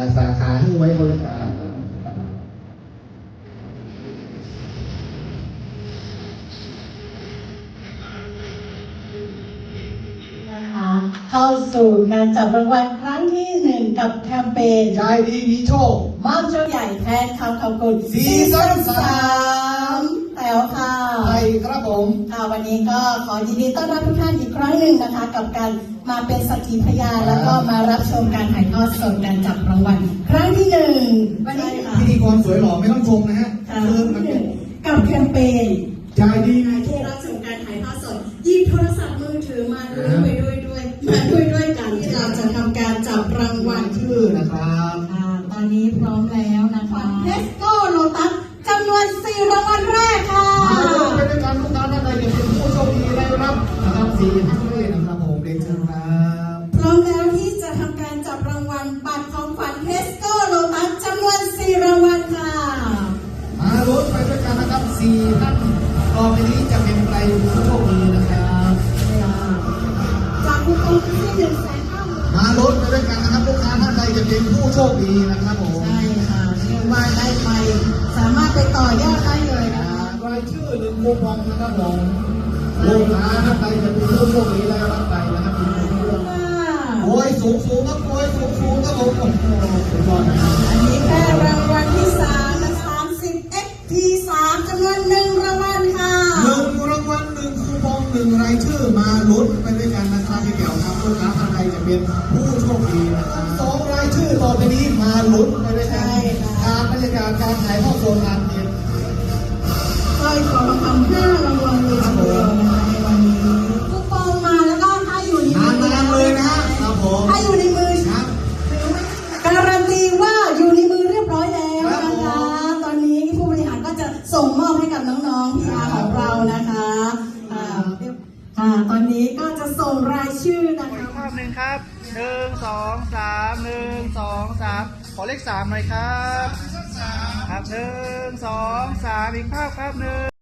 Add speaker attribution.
Speaker 1: สาขาที่ไว้บริการ
Speaker 2: เข้าสู่การจับรางวัลครั้งที่1กับแคมเปญ
Speaker 1: ใจดีมีโชค
Speaker 2: มอบโชคใหญ่แทนคำขอบคุณ
Speaker 1: ซีซั่น
Speaker 2: 3แถวค่ะ
Speaker 1: ใช่ครับผม
Speaker 2: ค่ะวันนี้ก็ขอยินดีต้อนรับทุกท่านอีกครั้งหนึ่งนะคะกับการมาเป็นสักขีพยานแล้วก็มารับชมการถ่ายทอดสดการจับรางวัลครั้งที่1วันนี้ค่ะ
Speaker 1: พิธีกรสวยหล่อไม่ต้องชมนะฮะ
Speaker 2: กับแคมเปญ
Speaker 1: ใจดี
Speaker 2: ที่รับชมการถ่ายทอดสดหยิบโทรศัพท์มือถือมาด้วยกันที่เราจะทำการจับรางวัล
Speaker 1: ชื่อนะครับ
Speaker 2: ตอนนี้พร้อมแล้วนะคะเทสโก้โลตัสจำนวน4รางวัลแรกค่ะ
Speaker 1: ไปด้วยกันทุกท่านท่านใดจะเป็นผู้โชคดีได้รับนะครับ4ท่านด้วยนะครับผมเรียนเชิญครับ
Speaker 2: พร้อมแล้วที่จะทำการจับรางวัลบัตรของขวัญเทสโก้โลตัสจำนวน4รางวัลค่ะ
Speaker 1: มาลุ้นไปด้วยกันนะครับ4ท่านต่อไปนี้จะเป็นใครผู้โชคดีนะครับ
Speaker 2: จากคูปองที่100,000
Speaker 1: มาลุ้นไปด้วยกันนะครับลูกค้าท่านใดจะเป็นผู้โชคดีนะครับผม
Speaker 2: ใช่ค่ะเชื่อว่าได้ไปสามารถไปต่อยอดได้เลยนะคะ
Speaker 1: รายชื่อ1คูปองนะครับผมลูกค้าท่านใดจะเป็นผู้โชคดีได้รับไปนะครับโอ้ยสูงครับโอ้ยสูงครับผมโอ้โหสุดยอดนะครับ
Speaker 2: อันนี้แค่รางวัลที่3นะคะ 30XP3 จำนวน1รางวัลค่ะ
Speaker 1: 1รางวัล1คูปอง1รายชื่อมาลุ้นไปด้วยกันนะครับพี่เดี่ยวครับลูกค้าท่านใดจะเป็นผู้โชคดีนะครับ2รายชื่อต่อไปนี้มาลุ้นไปด้วยกันการบรรยากาศการถ่ายทอดสดงานเย็น
Speaker 2: สร้อยคอทองคำ5รางวัลเลยทีเดียวนะคะในวันนี้คูปองมาแล้วก็ถ้าอยู่ในมื
Speaker 1: อนเลยนะ
Speaker 2: ครับผมถ้าอยู่ในมือการันตีว่าอยู่ในมือเรียบร้อยแล้วนะคะตอนนี้ผู้บริหารก็จะส่งมอบให้กับน้องๆพีอาร์ของเรานะคะตอนนี้ก็จะส่งรายชื่อนะคะ
Speaker 3: ภาพหนึ่งครับ1 2 3 1 2 3ขอเลข3หน่อยครับครับ1 2 3อีกภาพครับ1